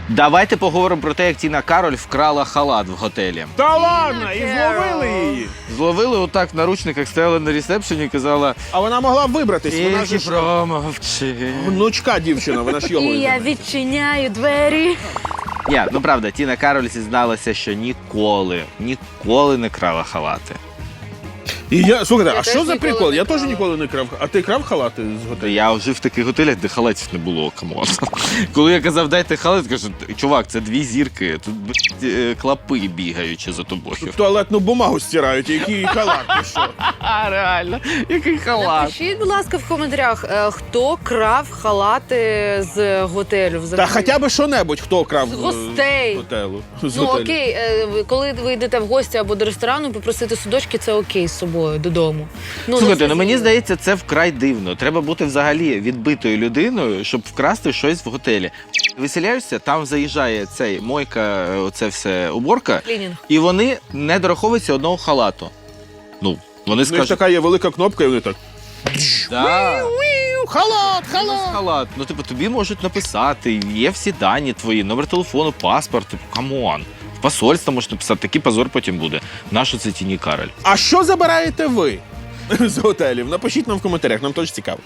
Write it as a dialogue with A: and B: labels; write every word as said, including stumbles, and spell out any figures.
A: Давайте поговоримо про те, як Тіна Кароль вкрала халат в готелі.
B: Та ладно, і зловили її.
A: Зловили отак в наручниках, стояла на ресепшені і казала:
B: А вона могла вибратись, вона ж
A: «Тільки промовчи».
B: внучка дівчина, вона ж його.
C: І я відчиняю двері.
A: Ні, ну правда, Тіна Кароль зізналася, що ніколи, ніколи не крала халати.
B: І я, слухайте,
C: Я
B: а
C: теж
B: що за
C: ніколи
B: прикол?
C: не
B: Я теж
C: крала.
B: ніколи не крав. А ти крав халати з готелю?
A: Я жив в таких готелях, де халатів не було, камон. Коли я казав, дайте халат, кажу, чувак, це дві зірки, тут блядь, е, клапи бігаючи за тобою.
B: Туалетну бумагу стирають, який халат, ти що?
A: А, реально, який халат.
C: Напишіть, будь ласка, в коментарях, е, хто крав халати з готелю
B: Та
C: взагалі.
B: хоча б що-небудь, хто крав
C: З
B: е,
C: гостей.
B: з готелю. З
C: Ну
B: готелю.
C: окей, е, ви- коли ви йдете в гості або до ресторану, попросити судочки, це окей з собою додому. Ну,
A: Слухайте,
C: не
A: ну мені
C: зрозуміло.
A: здається, це вкрай дивно. Треба бути взагалі відбитою людиною, щоб вкрасти щось в готелі. Виселяєшся, там заїжджає цей мойка, оце все уборка,
C: Клінінг.
A: і вони не дораховуються одного халату. Ну, вони
B: Ну, ж
A: скажуть,
B: така є велика кнопка, і вони так.
A: да.
B: Халат, халат!
A: халат. Ну, типу, тобі можуть написати, є всі дані твої, номер телефону, паспорт, типу, камон. В посольство можуть написати, такий позор потім буде. Нащо це Тіні Кароль?
B: А що забираєте ви з готелів? Напишіть нам в коментарях, нам теж цікаво.